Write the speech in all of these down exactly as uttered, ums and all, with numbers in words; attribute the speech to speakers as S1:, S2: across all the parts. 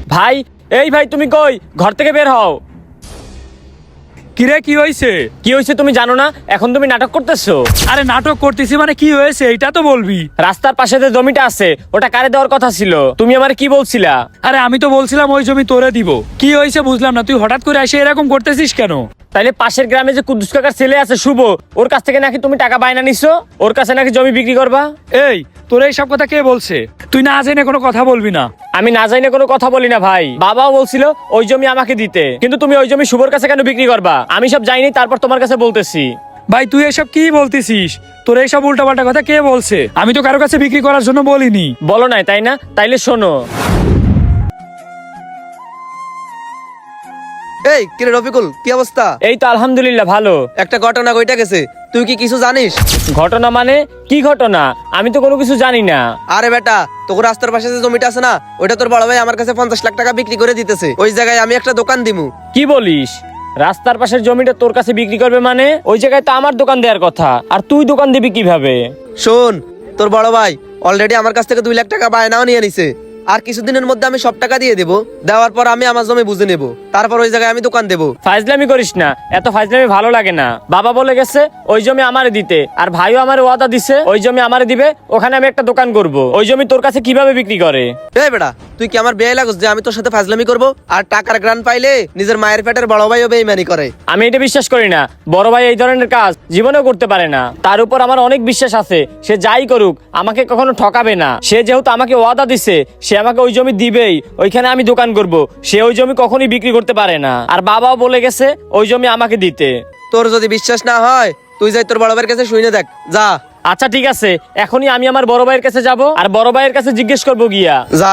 S1: ভাই, এই ভাই তুমি কই? ঘর থেকে বের হও।
S2: কিরে কি হয়েছে?
S1: কি হয়েছে তুমি জানো না? এখন তুমি নাটক করতেছো।
S2: আরে নাটক করতেছি মানে কি হয়েছে এইটা তো বলবি।
S1: রাস্তার পাশে যে জমিটা আছে ওটা কারে দেওয়ার কথা ছিল, তুমি আমার কি বলছিলা?
S2: আরে আমি তো বলছিলাম ওই জমি তোরে দিব। কি হয়েছে বুঝলাম না, তুই হঠাৎ করে এসে এরকম করতেছিস কেন?
S1: তাইলে পাশের গ্রামে যে কুদ্দুস কাকার ছেলে আছে শুভ, ওর কাছ থেকে নাকি তুমি টাকা বায়না নিছো, ওর কাছে নাকি জমি বিক্রি করবা।
S2: এই তোর এইসব কথা কে বলছে? তুই না জেনে কোনো কথা বলবি না।
S1: আমি না জানি কোনো কথা বলি না ভাই। বাবাও বলছিল ওই জমি আমাকে দিতে, কিন্তু তুমি ওই জমি শুভর কাছে কেন বিক্রি করবা? আমি সব জানি, তারপর তোমার কাছে বলতেছি।
S2: ভাই তুই এসব কি বলতেছিস? তোর এইসব উল্টাপাল্টা কথা কে বলছে? আমি তো কারো কাছে বিক্রি করার জন্য বলিনি।
S1: বলো নাই তাই না? তাইলে শোনো।
S3: এই কিরে রফিকুল, কি অবস্থা?
S1: এই তো আলহামদুলিল্লাহ ভালো।
S3: একটা ঘটনা ঘটে গেছে, তুই কি কিছু জানিস?
S1: ঘটনা মানে কি ঘটনা? আমি তো কোনো কিছু জানি না।
S3: আরে বেটা, তোর রাস্তার পাশে যে জমিটা আছে না, ওইটা তোর বড় ভাই আমার কাছে পঞ্চাশ লাখ টাকা বিক্রি করে দিতেছে। ওই জায়গায় আমি একটা দোকান দিমু।
S1: কি বলিস? রাস্তার পাশের জমিটা তোর কাছে বিক্রি করবে মানে? ওই জায়গায় তো আমার দোকান দেওয়ার কথা, আর তুই দোকান দিবি কিভাবে?
S3: শোন, তোর বড় ভাই অলরেডি আমার কাছ থেকে দুই লাখ টাকা বায়নাও নিয়ে নিছে। আর কিছুদিনের মধ্যে আমি সব টাকা দিয়ে দেবো। দেওয়ার পর আমি আমার জমি বুঝে নেবো, তারপর ওই জায়গায় আমি দোকান দেবো।
S1: ফাজলামি করিস না, এত ফাজলামি ভালো লাগে না। বাবা বলে গেছে ওই জমি আমারে দিতে, আর ভাইও আমার ওয়াদা দিছে ওই জমি আমারে দিবে, ওখানে আমি একটা দোকান করব। ওই জমি তোর কাছে কিভাবে বিক্রি করে?
S3: এই বেটা, তুই কি আমার বেয়ে লাগছ যে আমি তোর সাথে ফাজলামি করবো? আর টাকার গ্রান পাইলে নিজের মায়ের পেটের বড় ভাইও বেইমানি করে।
S1: আমি এটা বিশ্বাস করি না। বড় ভাই এই ধরনের কাজ জীবনেও করতে পারে না। তার উপর আমার অনেক বিশ্বাস আছে, সে যাই করুক আমাকে কখনো ঠকাবে না। সে যেহেতু আমাকে ওয়াদা দিছে, সে আমাকে ওই জমি দিবেই, ওইখানে আমি দোকান করব। সে ওই জমি কখনোই বিক্রি করতে পারে না। আর বাবাও বলে গেছে ওই জমি আমাকে দিতে।
S3: তোর যদি বিশ্বাস না হয় তুই যাই তোর বড় ভাইয়ের কাছে শুনে দেখ, যা।
S1: আচ্ছা ঠিক আছে, এখনই আমি আমার বড় ভাইয়ের কাছে যাব, আর বড় ভাইয়ের কাছে জিজ্ঞেস করবো গিয়া।
S3: যা।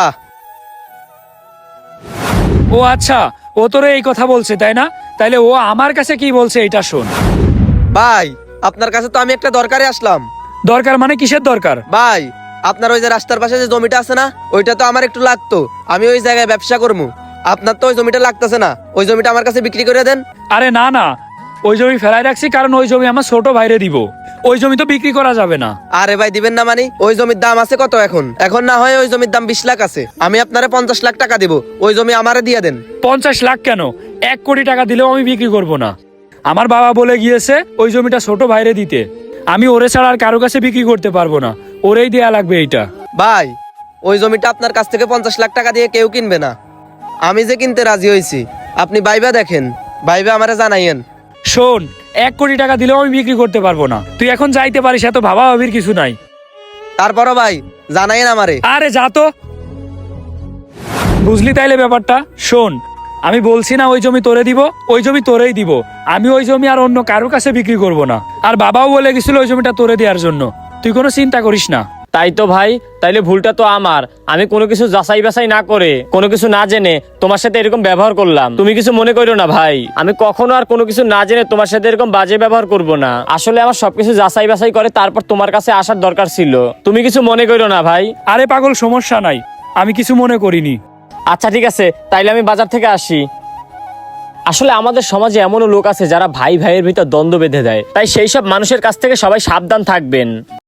S2: ও আচ্ছা, ও তোরে এই কথা বলছে তাই না? তাইলে ও আমার কাছে কি বলছে এটা শোন।
S3: ভাই, আপনার কাছে তো আমি একটা দরকারে আসলাম।
S2: দরকার মানে কিসের দরকার?
S3: ভাই, আপনার ওই যে রাস্তার পাশে যে জমিটা আছে না, ওইটা তো আমার একটু লাগতো। আমি ওই জায়গায় ব্যবসা করবো। আপনার তো ওই জমিটা লাগতেছে না, ওই জমিটা আমার কাছে বিক্রি করে দেন।
S2: আরে না না, ওই জমি ফেলাই রাখছি কারণ ওই জমি আমার ছোট ভাইরে দিব। ওই জমি তো বিক্রি করা যাবে না।
S3: আরে ভাই, দিবেন না মানে? ওই জমির দাম আছে কত এখন? এখন না হয় ওই জমির দাম বিশ লাখ আছে, আমি আপনারে পঞ্চাশ লাখ টাকা দিব। ওই জমি আমারে দিয়ে দেন।
S2: পঞ্চাশ লাখ কেন, এক কোটি টাকা দিলেও আমি বিক্রি করব না। আমার বাবা বলে গিয়েছে ওই জমিটা ছোট ভাইরে দিতে। আমি ওরে ছাড়া আর কারো কাছে বিক্রি করতে পারবো না, ওরেই দেয়া লাগবে এইটা।
S3: ভাই, ওই জমিটা আপনার কাছ থেকে পঞ্চাশ লাখ টাকা দিয়ে কেউ কিনবে না। আমি যে কিনতে রাজি হয়েছি, আপনি ভাইবা দেখেন, ভাইবা আমারে জানাইয়েন।
S2: শোন, এক কোটি টাকা দিলেও আমি বিক্রি করতে পারবো না। তুই এখন যাইতে পারিস, এত ভাবা ভাবির কিছু নাই।
S3: তারপরও ভাই জানাইয়েন আমারে।
S2: আরে যা তো। বুঝলি তাইলে ব্যাপারটা? শোন, আমি বলছি না ওই জমি তোরে দিব, ওই জমি তোরেই দিব। আমি ওই জমি আর অন্য কারোর কাছে বিক্রি করব না। আর বাবাও বলে গেছিল ওই জমিটা তোরে দেওয়ার জন্য। তুই কোনো চিন্তা করিস না।
S1: তাই তো ভাই, তাইলে ভুলটা তো আমার। আমি কোনো কিছু যাচাই বাছাই না করে, কোনো কিছু না জেনে তোমার সাথে এরকম ব্যবহার করলাম। তুমি কিছু মনে করো না ভাই, আমি কখনো আর কোনো কিছু না জেনে তোমার সাথে এরকম বাজে ব্যবহার করব না। আসলে আমার সবকিছু যাচাই বাছাই করে তারপর তোমার কাছে আসার দরকার ছিল। তুমি কিছু মনে করো না ভাই।
S2: আরে পাগল, সমস্যা নাই, আমি কিছু মনে করিনি।
S1: আচ্ছা ঠিক আছে, তাইলে আমি বাজার থেকে আসি। আসলে আমাদের সমাজে এমনও লোক আছে যারা ভাই ভাইয়ের ভিতর দ্বন্দ্ব বেঁধে দেয়, তাই সেই সব মানুষের কাছ থেকে সবাই সাবধান থাকবেন।